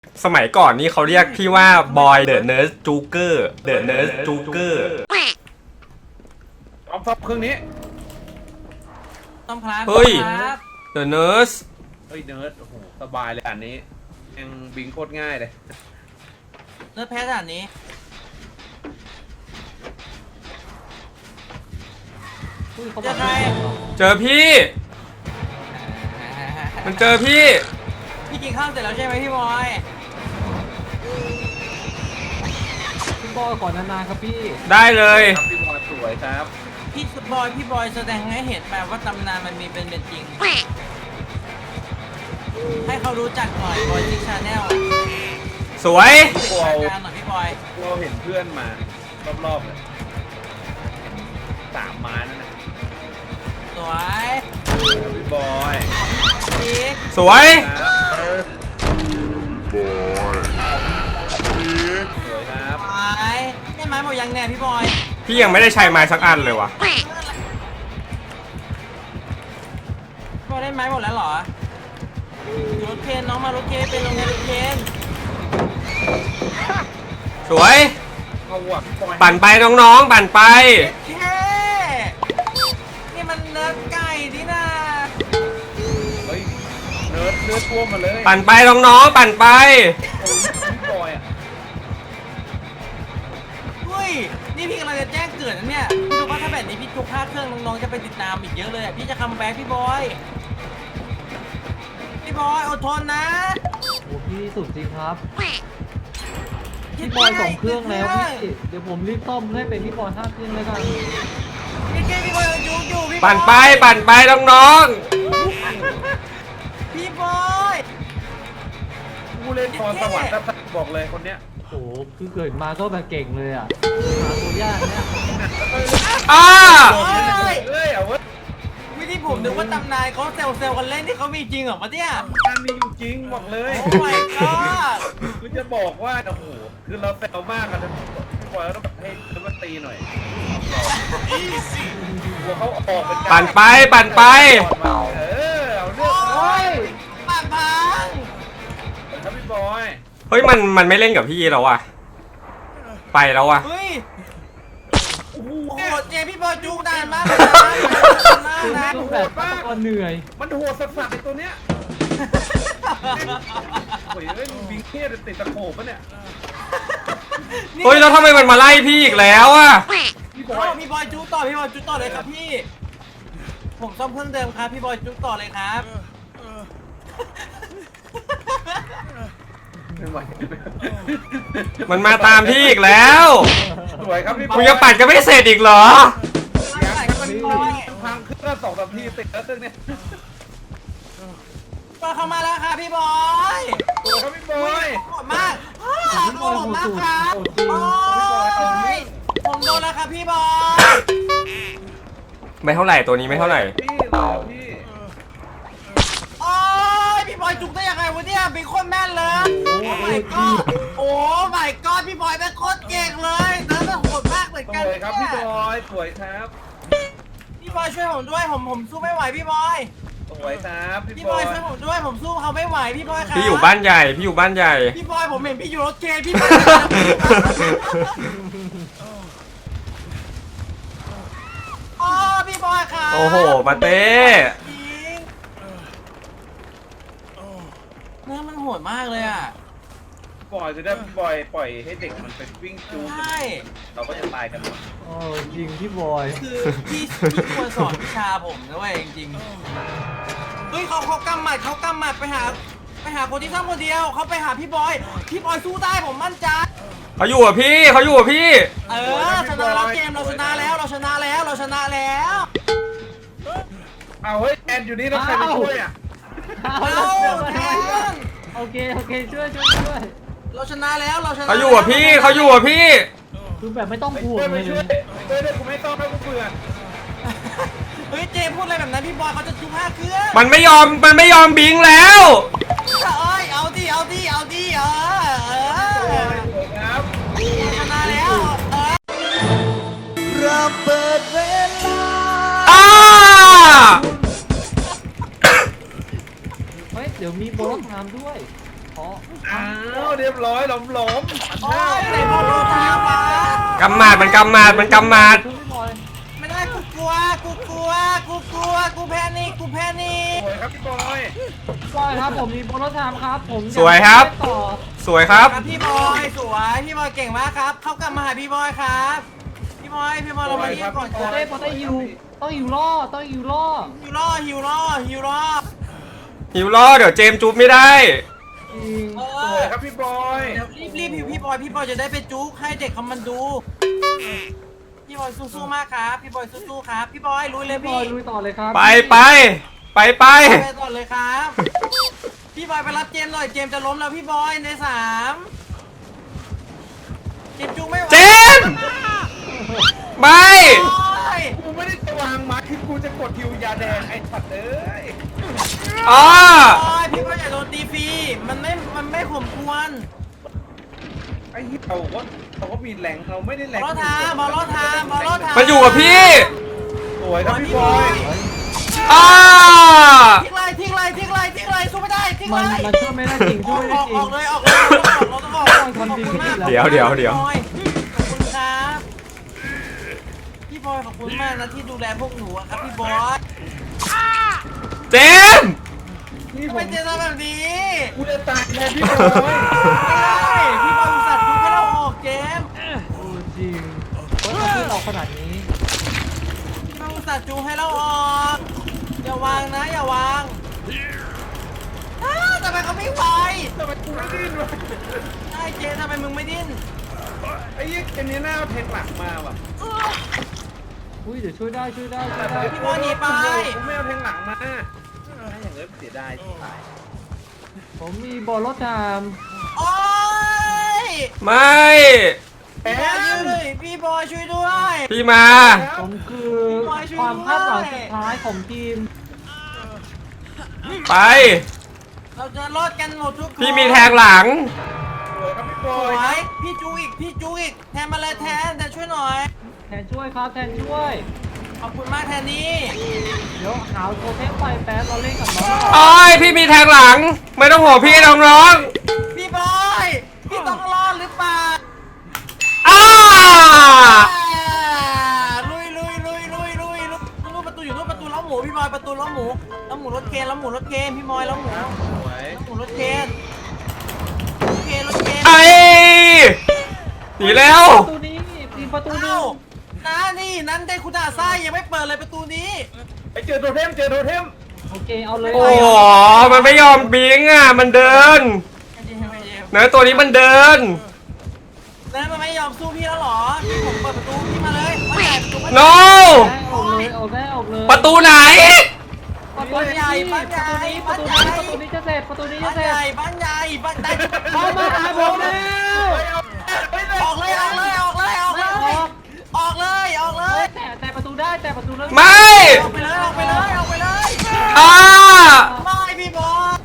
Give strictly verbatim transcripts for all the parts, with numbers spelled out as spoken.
สมัยก่อนนี่เขาเรียกพี่ว่าบอยเดอะเนิร์สจูเกอร์เดอะเนิร์สจูเกอร์เอาซับเครื่องนี้ต้องครับเฮ้ยเดอะเนิร์สเฮ้ยเนิร์ดโอ้โหสบายเลยอันนี้ยังบิงโคตรง่ายเลยเนื้อแพ้ขนาดนี้เจอใครเจอพี่มันเจอพี่พี่กินข้าวเสร็จแล้วใช่ไหมพี่บอยพี่บอยก่อนนานๆครับพี่ได้เลยครับพี่บอยสวยครับพี่บอยพี่บอยแสดงให้เห็นแบบว่าตำนานมันมีเป็นเป็นจริงให้เขารู้จักหน่อยบอยทิกชาแนลสวยกลัวการหน่อยพี่บอยเราเห็นเพื่อนมารอบๆเลยสามม้านั่นนะสวยพี่บอยสวยสวยครับไม้ได้ไม้หมดยังแน่พี่บอยพี่ยังไม่ได้ใช้ไม้สักอันเลยวะพี่บอยได้ไม้หมดแล้วเหรอรถเคนน้องมารถเคนเป็นโรงเรียนรถเคนสวยเอาว่ะปั่นไปน้องๆปั่นไปเฮ้นี่มันเนื้อไก่ดินะเฮ้ยเนื้อเนื้อท่วมมาเลยปั่นไปน้องๆปั่นไปพี่บอยอ่ะเฮ้ยนี่พี่กำลังจะแจ้งเกิดนะเนี่ยพี่รู้ว่าถ้าแบบนี้พี่ทุกภาคเครื่องน้องๆจะไปติดตามอีกเยอะเลยพี่จะคัมแบ็คพี่บอยพี่บอยอดทนนะโอ้พี่สุดจริงครับพี่บอยสองเครื่องแล้วพี่เดี๋ยวผมรีบซ่อมให้เป็นพี่บอยห้าเครื่องแล้วกันพี่เกพี่บอยจุกอยู่พี่ปั่นไปปั่นไปน้องๆพี่บอยผู้เล่นพรสวรรค์นะบอกเลยคนเนี้ยโอ้คือเกิดมาก็แบบเก่งเลยอ่ะหาตัวยากเนี่ยอ้าเฮ้ยเอาเว้ยวิธีผมนึกว่าตำนานเขาเซลเซลกันเล่นที่เขามีจริงเหรอมาเนี่ยมันมีอยู่จริงบอกเลยโอ้ my god คือจะบอกว่าโอ้โหคือเราแซวมากกันนะพี่บอยต้องให้มันตีหน่อยกลัวเขาออกเป็นปั่นไปปั่นไปเออเอาเรื่องโอ้ยปั่นพังครับพี่บอยเฮ้ยมันมันไม่เล่นกับพี่แล้วอ่ะไปแล้วอ่ะเฮ้ยโอ้โหเจพี่บอยจุกนานมากนะโหดมากเหนื่อยมันโหดสัสๆไอตัวเนี้ยโอ้ยเอ้ยบิงเค้ติดตะโขบปะเนี่ยเฮ้ยแล้วทำไมมันมาไล่พี่อีกแล้วอ่ะพี่บอยพี่บอยจุกต่อพี่บอยจุกต่อเลยครับพี่ผมซ่อมเครื่องเดิมครับพี่บอยจุกต่อเลยครับมันมาตามพี่อีกแล้วสวยครับพี่กูยังปั่นก็ไม่เสร็จอีกเหรอพังเครื่องสองสามทีติดแล้วตึ้งเนี่ยก็เข้ามาแล้วค่ะพี่บอยสวยครับพี่บอยโหดมากโหดมากครับโอ้ยผมโดนแล้วครับพี่บอยไม่เท่าไหร่ตัวนี้ไม่เท่าไหร่พี่เราพี่โอ้ยพี่บอยจุกได้ยังไงวะเนี่ยเป็นคนแม่นเลยโอ้ my god โอ้ my god พี่บอยเป็นโคตรเก่งเลยเนื้อโหดมากเหมือนกันสวยครับพี่บอยสวยครับพี่บอยช่วยผมด้วยผมผมสู้ไม่ไหวพี่บอยสวยครับพี่บอยช่วยผมด้วยผมสู้เขาไม่ไหวพี่บอยครับพี่อยู่บ้านใหญ่พี่อยู่บ้านใหญ่พี่บอยผมเห็นพี่อยู่รถเคนพี่บอยโอ้พี่บอยครับโอ้โหมาเต้เนื้อมันโหดมากเลยอ่ะบอยจะได้พี่บอยปล่อยให้เด็กมันไปวิ่งจูงเราก็จะตายกันหมดโอ้จริงพี่บอยคือพี่พี่ควรสอนวิชาผมนะเว้ยจริงๆเฮ้ยเขาเขากำหมัดเขากำหมัดไปหาไปหาคนที่ซ่อมคนเดียวเขาไปหาพี่บอยพี่บอยสู้ได้ผมมั่นใจเขาอยู่กับพี่เขาอยู่กับพี่เออชนะแล้วเกมเราชนะแล้วเราชนะแล้วเราชนะแล้วเอาเฮ้ยแอนอยู่นี่แล้วใครมาช่วยอ่ะเอาแทนโอเคโอเคช่วยช่วยช่วยเราชนะแล้วเราชนะเขาอยู่กับพี่เขาอยู่กับพี่คือแบบไม่ต้องห่วงเลยช่วยช่วยเลยกูไม่ต้องแล้วกูเบื่อเฮ้ยเจพูดอะไรแบบนั้นพี่บอยเขาจะจุ๊บห้าเครื่องมันไม่ยอมมันไม่ยอมบิงแล้วเอ้ยเอาดิเอาดิเอาดิเออเออครับชนะแล้วเออเราเปิดเวลาอ้าเฮ้ยเดี๋ยวมีโบนัสไทม์ด้วยอ๋ออ้าวเรียบร้อยหลอมหลอมโอ้ยไหนบอกโดนตามมากำมาดมันกำมาดมันกำมาดช่วยพี่บอยไม่ได้กูกลัวกูกลัวกูกลัวกูแพนิคกูแพนิคสวยครับพี่บอยพี่บอยครับผมมีโบนัสไทม์ครับผมสวยครับต่อสวยครับครับพี่บอยสวยพี่บอยเก่งมากครับ เข้ากลับมาหาพี่บอยครับพี่บอยพี่บอยเรามาเยี่ยมก่อนโปครัเต้โปเต้ฮิวต้องฮิวล่อต้องฮิวล่อฮิวล่อฮิวล่อฮิวล่อหิวล้อเดี๋ยวเจมส์จูบไม่ได้จริงเอสอวยครับพี่บอยเดี๋ยวรีบรีบพี่พี่บอยพี่บอยจะได้ไปจุ๊กให้เด็กเขามันดูพี่บอยสู้ๆมากครับพี่บอยสู้ๆครับพี่บอยลุยเลยพี่บพี่อยลุยต่อเลยครับไปไปไปไปไปก่อนเลยครับ พี่บอยไปรับเจมส์หน่อยเจมส์จะล้มแล้วพี่บอยในสามเจมส์จุ๊กไม่ไหวเจมส์ไม่โอ้ยกูไม่ได้จะวางมาคือกูจะกดฮิวยาแดงไอ้สัตว์เอ้ยอ๋อโอ้ยพี่บอยอย่าโดนตีฟรีมันไม่มันไม่ข่มควรไอ้เหี้ยเราก็เราก็มีแหล่งเราไม่ได้แหบอล่งลรถทามบอลรถทามบอลรถทามมันอยู่กับพี่สวยครับพี่บอยอ่าทิ้งเลยทิ้งเลยทิ้งเลยทิ้งเลยสู้ไม่ได้ทิ้งมัเลนยมันช่วยไม่ได้จริงอช่อวยกไม่อได้อกจริออง กเลยออกเลยเราต้องออกเราต้องออกคนขดีอบคุณมากเดี๋ยวเดี๋ยวเดี๋ยวพี่บอยขอบคุณครับพี่บอยขอบคุณมากนะที่ดูแลพวกหนูอะครับพี่บอยเจมส์นี่ทำผไมมเจนทำแบบนี้กูจะตายแทนพี่บอยไม่ได้พี่บอยอุตส่าห์ทุบให้เราออกเจมส์โอ้จริงว่าถ้าขึ้นออกขนาดนี้พี่บอยอุตส่าห์จูให้เราออกอย่าวางนะอย่าวางอ้าวทำไมเขาไม่ไหวทำไมกูไม่ดิ้นวะไอ้เจมส์ทำไมมึงไม่ดิ้นไอ้เหี้ยเกมนี้หน้าเอาเทคหลักมาว่ะอุ้ยเดี๋ยวช่วยได้ช่วยได้ช่วยได้พี่บอยหนีไปกูไม่เอาเทคหลังมาถ้าอย่างเงี้ยเสียดายที่ตายผมมีโบนัสไทม์โอ๊ยไม่แอพี่บอยช่วน ยด้วยพี่บอยช่วยด้วยพี่มาผมคือความคาดหวังสุดท้ายของทีมไปเราจะรอดกันหมดทุกคนพี่มีแทงหลังสวยครับพี่บสอวย ยพี่จูอีกพี่จูอีกแทนมาเลยแทนแต่ช่วยหน่อยแทนช่วยครับแทนช่วยขอบคุณมากแทนนี่เดี๋ยวหาวโทเทมไฟแป๊บเราเล่นกับน้องโอ้ยพี่มีแทงหลัง ไม่ต้องห่วงพี่น้องร้องพี่บอยพี่ต้องรอดหรือเปล่าอ้าลุยลุยลุยลุยลุยลุยนู่นประตูอยู่นู่นประตูล้อหมูพี่บอยประตูล้อหมูล้อหมูรถเคนล้อหมูรถเคนพี่บอยล้อหมูสวยล้อหมูรถเคนรถเคนรถเคนไอ้หนีแล้วประตูนี้ทีมประตูหนึเอ้าง นะนี่นั้นได้คุณอาซ่ายังไม่เปิดเลยประตูนี้ไอ้เจอโทเทมเจอโทเทมโอเคเอาเลยโอ้โหมันไม่ยอมบิงอ่ะ มันเดิน เนื้อตัวนี้มันเดินแล้วมันไม่ยอมสู้พี่แล้วเหรอพี่ผมเปิดประตูพี่มาเลยมาใหญ่ประตูมา no ออกเลยออกได้ออกเลยประตูไหนประตูนี้ประตูนี้ประตูนี้ประตูนี้จะเสร็จประตูนี้บ้าจะนเสร็ใหจญ่บ้านใหญ่บ้านใหญ่เข้ามาหาผมแล้วออกเลยออกเลยออกเลยออกเลยออกเลยออกเลยแต่แต่ประตูได้แต่ประตูเลิกไม่ออกไปเลยออกไปเลยออกไปเลยอ่าไม่พี่บอส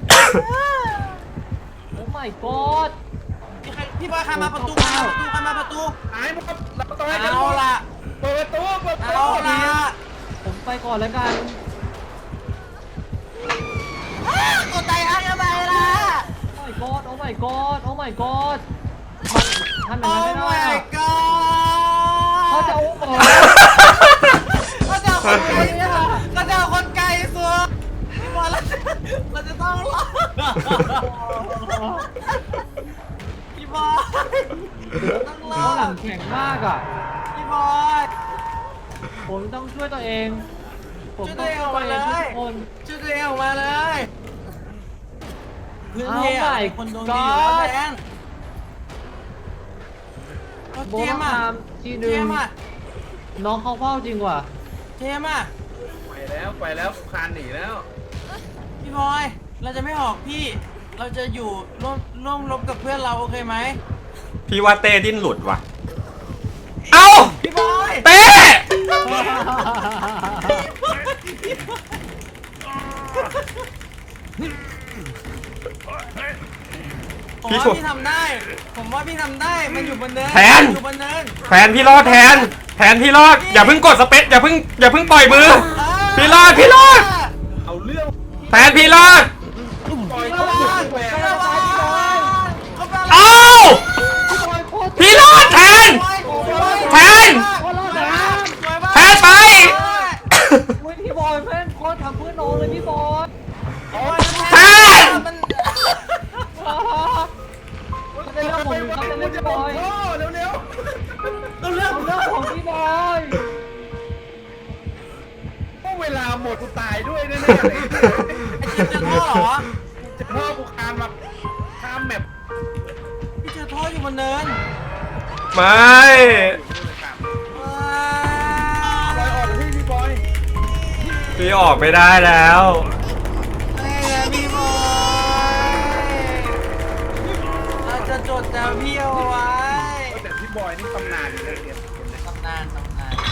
โอ้ my god พี่บอยใครมาประตูใครมาประตูใครมาประตูหายหมดเราตายกันเอาล่ะเปิดประตูเปิดประตูเอาล่ะผมไปก่อนแล้วกันกดใจอ้างทำไมล่ะโอ้ my god โอ้ my god โอ้ my god มันทำอย่างโอ้นั้นไม่ได้ my อะ god เขาจะเอาออกก็จะเอาคนไกลเนี่ยก็จะเอาคนไกลสุดพี่บอยเราจะเราจะต้องรอดพี่บอยต้องรเขาอหลัดงแข็งมากอ่ะพี่บอยผมต้องช่วยตัวเอง ผมช่วยต้ตัอวงเองช่อวยอกตัวมาเองเลยทุกคนช่วยตัวเองออกมาเลยพื้นเอาที่ใหม่อะคนดวงดีอยู่แล้วแทนเอาโบเจนัมสส์ไทอ่ะม์ทีเจหนึ่งมส์อ่ะน้องเขาเฝ้าจริงว่ะเจมส์อ่ะไปแล้วไปแล้วคานหนีแล้วพี่บอย เราจะไม่ออกพี่ เราจะอยู่ร่วมร่วมรบกับเพื่อนเราโอเคไหมพี่ว่าเต้ดิ้นหลุดว่ะ เอ้าพี่บอยเต้ผมว่าพี่ทำได้ ผมว่าพี่ทำได้ มันอยู่บนเนินแทนอยู่บนเนินแทนพี่รอดแทน แทนพี่รอด อย่าเพิ่งกดสเปซอย่าเพิ่งอย่าเพิ่งปล่อยมือ พี่รอดพี่รอดเอาเรื่องแทนพี่รอดปล่อยพี่เขาบสุอดยแหวกพี่บอยจะลงท่อเร็วเร็วเราเลือกเรื่องของพี่บอยพวกเวลาหมดกูตายด้วยแน่ๆเลยไอ้เจมส์เจอท่อเหรอจะพ่อกูคานมาข้ามแมปพี่เจอท่ออยู่บนเนินไม่ว้าบอยออกพี่พี่บอยพี่ออกไม่ได้แล้วไอ้นะพี่บอยเราจะจดจำพี่เอาไว้แต่พี่บอยนี่ตำนานเลยเกมตำนานตำนาน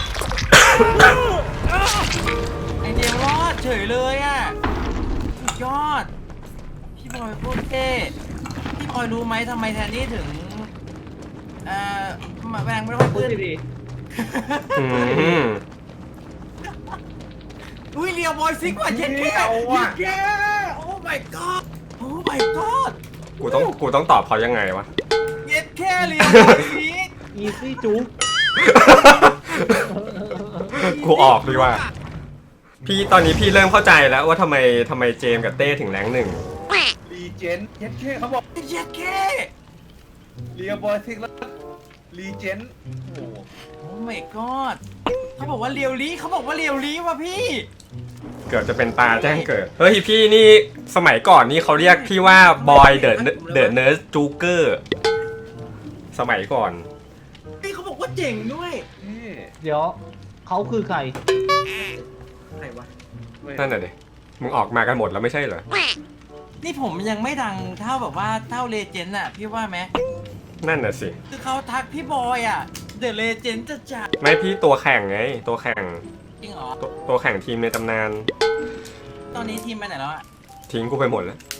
ไอเดียรอดเฉยเลยอ่ะสุดยอด พี่บอยพูดเท่พี่บอยรู้ไหมทำไมแทนนี่ถึงเอ่อมาแรงไม่ค่อยพูดขึ้นดีอืมอุ้ยเรียวบอยซิกว่าเจ็ดแค่เจ็ดแค่โอ้ my god โอ้ my god กูต้องกูต้องตอบเขายังไงวะเจ็ดแค่เรียวบอยซิกๆอีซี่จุ๊บกูออกดีกว่า พี่ตอนนี้พี่เริ่มเข้าใจแล้วว่าทำไมทำไมเจมส์กับเต้ถึงแรงหนึ่งรีเจนเย็ดแค่เขาบอกเจ็ดแค่เรียบอยทิกแล้วรีเจนโอ้โหโอ้ my god เขาบอกว่าเรียวลีเขาบอกว่าเรียวลีว่ะพี่เกือบจะเป็นตาแจ้งเกิด เฮ้ยพี่นี่สมัยก่อนนี่เขาเรียกพี่ว่าบอยเดอะเดอะเนิร์สจูเกอร์สมัยก่อนพี่เขาบอกว่าเจ๋งด้วยนี่เดี๋ยวเขาคือใครไหนวะนั่นน่ะดิมึงออกมากันหมดแล้วไม่ใช่เหรอนี่ผมยังไม่ดังเท่าแบบว่าเท่าเลเจนด์อะพี่ว่าไหมนั่นน่ะสิคือเขาทักพี่บอยอะเดอะเลเจนด์จะจัดไม่พี่ตัวแข่งไง ตัวแข่งจริงเหรอตัวตัวแข่งทีมในตำนานตอนนี้ทีมไปไหนแล้วอะทิ้งกูไปหมดแล้ว